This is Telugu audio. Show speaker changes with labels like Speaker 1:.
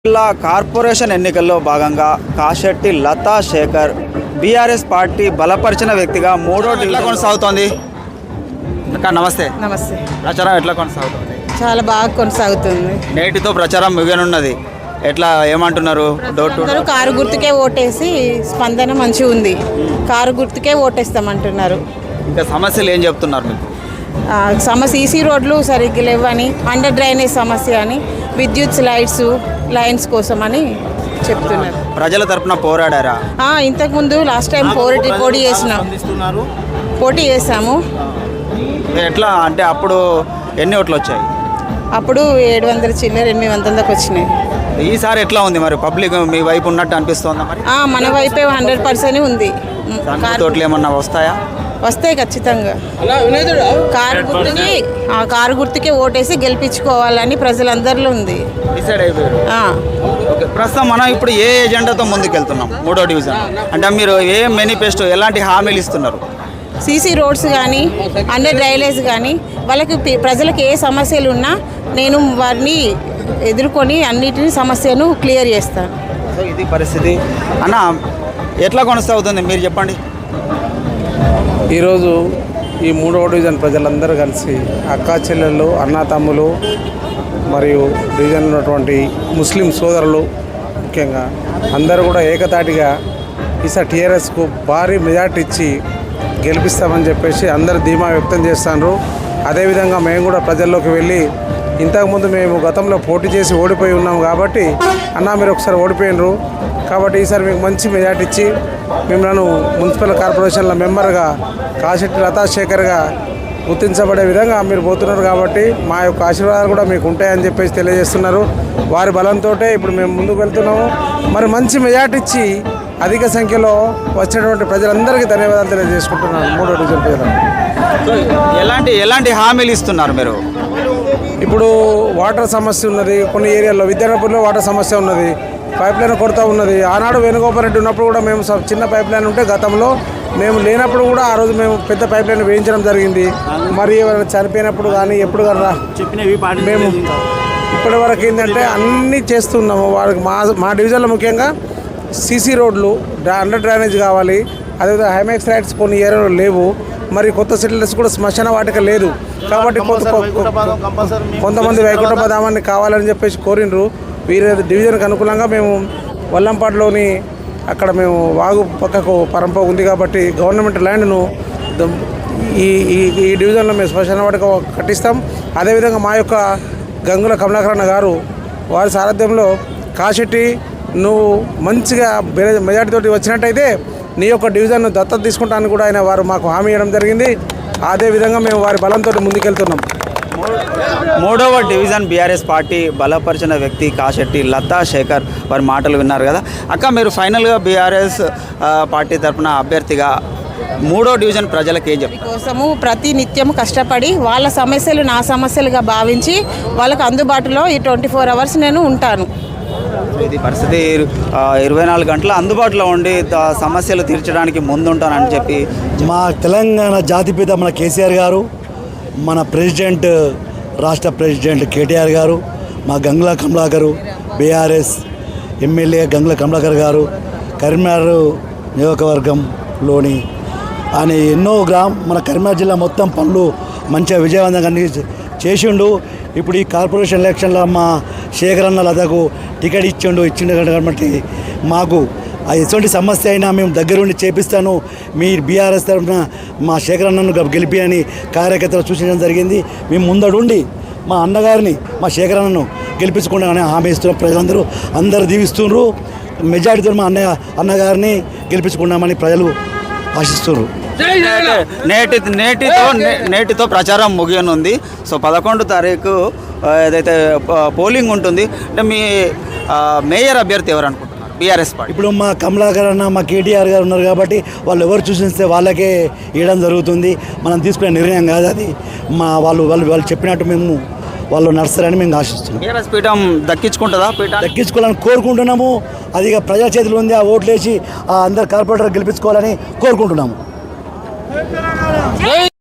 Speaker 1: జిల్లా కార్పొరేషన్ ఎన్నికల్లో భాగంగా కాశెట్టి లతా శేఖర్ బీఆర్ఎస్ పార్టీ బలపరిచిన వ్యక్తిగా మూడో ఎట్లా కొనసాగుతోంది అక్క నమస్తే.
Speaker 2: నమస్తే.
Speaker 1: ప్రచారం ఎట్లా కొనసాగుతుంది?
Speaker 2: చాలా బాగా కొనసాగుతుంది.
Speaker 1: నేటితో ప్రచారం ముగియనున్నది. ఎట్లా ఏమంటున్నారు? డోర్ టు
Speaker 2: అందరూ కారు గుర్తుకే ఓటేసి స్పందన మంచిగా ఉంది, కారు గుర్తుకే ఓటేస్తామంటున్నారు.
Speaker 1: ఇంకా సమస్యలు ఏం చెప్తున్నారు మీకు?
Speaker 2: సమస్య సీసీ రోడ్లు సరిగ్గా లేవని, అండర్ డ్రైనేజ్ సమస్య అని, విద్యుత్ లైన్స్ కోసం అని చెప్తున్నారు.
Speaker 1: ప్రజల తరపున పోరాడారా?
Speaker 2: ఇంతకుముందు లాస్ట్ టైం పోటీ చేసాము.
Speaker 1: ఎట్లా అంటే అప్పుడు ఎన్ని ఓట్లు వచ్చాయి?
Speaker 2: అప్పుడు 700 చిల్లర 800 దాకా వచ్చినాయి.
Speaker 1: ఈసారి ఎట్లా ఉంది మరి? పబ్లిక్ మీ వైపు ఉన్నట్టు అనిపిస్తుందా మరి?
Speaker 2: మన వైపే 100% ఉంది.
Speaker 1: తోటలు ఏమన్నా వస్తాయా?
Speaker 2: వస్తాయి ఖచ్చితంగా. కారు గుర్తుకే ఓటేసి గెలిపించుకోవాలని ప్రజలందరిలో ఉంది.
Speaker 1: డిసైడ్ అయిపోయారు. ప్రస్తుతం మనం ఇప్పుడు ఏ ఎజెండాతో ముందుకెళ్తున్నాం? మూడో డివిజన్ అంటే మీరు ఏ మేనిఫెస్టో ఎలాంటి హామీలు ఇస్తున్నారు?
Speaker 2: సీసీ రోడ్స్ కానీ, అండర్ డ్రైనేజ్ కానీ, వాళ్ళకి ప్రజలకు ఏ సమస్యలు ఉన్నా నేను వారిని ఎదుర్కొని అన్నిటినీ సమస్యను క్లియర్ చేస్తాను.
Speaker 1: సో ఇది పరిస్థితి అన్న. ఎట్లా కొనసాగుతుంది మీరు చెప్పండి.
Speaker 3: ఈరోజు ఈ మూడవ డివిజన్ ప్రజలందరూ కలిసి అక్కా చెల్లెళ్ళు, అన్నాతమ్ములు మరియు డివిజన్ ఉన్నటువంటి ముస్లిం సోదరులు ముఖ్యంగా అందరూ కూడా ఏకతాటిగా ఈసారి టీఆర్ఎస్కు భారీ మెజార్టీ ఇచ్చి గెలిపిస్తామని చెప్పేసి అందరూ ధీమా వ్యక్తం చేస్తున్నారు. అదేవిధంగా మేము కూడా ప్రజల్లోకి వెళ్ళి ఇంతకుముందు మేము గతంలో పోటీ చేసి ఓడిపోయి ఉన్నాం కాబట్టి అన్నా మీరు ఒకసారి ఓడిపోయినరు కాబట్టి ఈసారి మీకు మంచి మెజార్టీ ఇచ్చి మిమ్మల్ని మున్సిపల్ కార్పొరేషన్ల మెంబర్గా కాశెట్టి లతా శేఖర్గా గుర్తించబడే విధంగా మీరు పోతున్నారు కాబట్టి మా యొక్క ఆశీర్వాదాలు కూడా మీకు ఉంటాయని చెప్పేసి తెలియజేస్తున్నారు. వారి బలంతో ఇప్పుడు మేము ముందుకు వెళ్తున్నాము. మరి మంచి మెజార్టీ ఇచ్చి అధిక సంఖ్యలో వచ్చినటువంటి ప్రజలందరికీ ధన్యవాదాలు తెలియజేసుకుంటున్నాను. మూడో డివిజన్ ప్రజలు
Speaker 1: ఎలాంటి హామీలు ఇస్తున్నారు మీరు?
Speaker 3: ఇప్పుడు వాటర్ సమస్య ఉన్నది, కొన్ని ఏరియాల్లో విద్యానగర్లో వాటర్ సమస్య ఉన్నది, పైప్ లైన్ కొరత ఉన్నది. ఆనాడు వేణుగోపాల్ రెడ్డి ఉన్నప్పుడు కూడా మేము చిన్న పైప్ లైన్ ఉంటే గతంలో మేము లేనప్పుడు కూడా ఆ రోజు మేము పెద్ద పైప్ లైన్ వేయించడం జరిగింది. మరి ఎవరైనా చనిపోయినప్పుడు కానీ ఎప్పుడు కానీ మేము ఇప్పటి వరకు ఏంటంటే అన్నీ చేస్తున్నాము. వాళ్ళకి మా డివిజన్లో ముఖ్యంగా సీసీ రోడ్లు, అండర్ డ్రైనేజ్ కావాలి. అదేవిధంగా హైమాక్స్ రైట్స్ కొన్ని ఏరియాలో లేవు. మరి కొత్త సెటిల్స్ కూడా శ్మశాన వాటిక లేదు కాబట్టి కొంతమంది వైకుంఠ పదామాన్ని కావాలని చెప్పేసి కోరినరు. వీరి డివిజన్కి అనుకూలంగా మేము వల్లంపాడులోని అక్కడ మేము వాగు పక్కకు పరంప ఉంది కాబట్టి గవర్నమెంట్ ల్యాండ్ను ఈ డివిజన్లో మేము శ్మశాన వాటిక కట్టిస్తాం. అదేవిధంగా మా యొక్క గంగుల కమలాకరణ గారు వారి సారథ్యంలో కాశెట్టి నువ్వు మంచిగా మెజార్టీతోటి వచ్చినట్టయితే నీ యొక్క డివిజన్ను దత్తత తీసుకుంటాను కూడా వారు మాకు హామీ ఇవ్వడం జరిగింది. అదేవిధంగా మేము వారి బలంతో ముందుకెళ్తున్నాం.
Speaker 1: మూడవ డివిజన్ బీఆర్ఎస్ పార్టీ బలపరిచిన వ్యక్తి కాశెట్టి లతా శేఖర్ వారి మాటలు విన్నారు కదా అక్క. మీరు ఫైనల్గా బీఆర్ఎస్ పార్టీ తరఫున అభ్యర్థిగా మూడో డివిజన్ ప్రజలకు ఏం చెప్తారు?
Speaker 2: కోసము ప్రతి నిత్యం కష్టపడి వాళ్ళ సమస్యలు నా సమస్యలుగా భావించి వాళ్ళకు అందుబాటులో ఈ 24 hours నేను ఉంటాను.
Speaker 1: ఇది పరిస్థితి. 24 గంటల అందుబాటులో ఉండి సమస్యలు తీర్చడానికి ముందుంటానని చెప్పి
Speaker 4: మా తెలంగాణ జాతిపిత మన కేసీఆర్ గారు, మన ప్రెసిడెంట్ రాష్ట్ర ప్రెసిడెంట్ కేటీఆర్ గారు, మా గంగుల కమలాకర్ బీఆర్ఎస్ ఎమ్మెల్యే గంగుల కమలాకర్ గారు కరీంనగర్ నియోజకవర్గంలోని ఆయన ఎన్నో మన కరీంనగర్ జిల్లా మొత్తం పనులు మంచిగా విజయవంతంగా చేసిండు. ఇప్పుడు ఈ కార్పొరేషన్ ఎలక్షన్లో మా శేఖర్ అన్న లతకు టికెట్ ఇచ్చిండు కాబట్టి మాకు ఎటువంటి సమస్య అయినా మేము దగ్గరుండి చేపిస్తాను, మీ బీఆర్ఎస్ తరఫున మా శేఖర్ అన్నను గెలిపి అని కార్యకర్తలు సూచించడం జరిగింది. మేము ముందడుండి మా అన్నగారిని మా శేఖర్ అన్నను గెలిపించుకుంటామని హామీ ఇస్తున్న ప్రజలందరూ అందరూ దీవిస్తున్నారు. మెజారిటీతో మా అన్నగారిని గెలిపించుకున్నామని ప్రజలు ఆశిస్తున్నారు.
Speaker 1: నేటితో ప్రచారం ముగియనుంది. సో 11వ తారీఖు ఏదైతే పోలింగ్ ఉంటుంది అంటే మీ మేయర్ అభ్యర్థి ఎవరు అనుకుంటున్నారు బీఆర్ఎస్ పార్టీ?
Speaker 4: ఇప్పుడు మా కమలాకర్ అన్న మా కేటీఆర్ గారు ఉన్నారు కాబట్టి వాళ్ళు ఎవరు చూసిస్తే వాళ్ళకే ఇవ్వడం జరుగుతుంది. మనం తీసుకునే నిర్ణయం కాదు అది. వాళ్ళు చెప్పినట్టు మేము వాళ్ళు నడుస్తారని మేము ఆశిస్తున్నాం.
Speaker 1: బీఆర్ఎస్ పీఠం
Speaker 4: దక్కించుకోవాలని కోరుకుంటున్నాము. అది ప్రజల చేతిలో ఉంది. ఆ ఓట్లు వేసి అందరు కార్పొరేటర్ గెలిపించుకోవాలని కోరుకుంటున్నాము.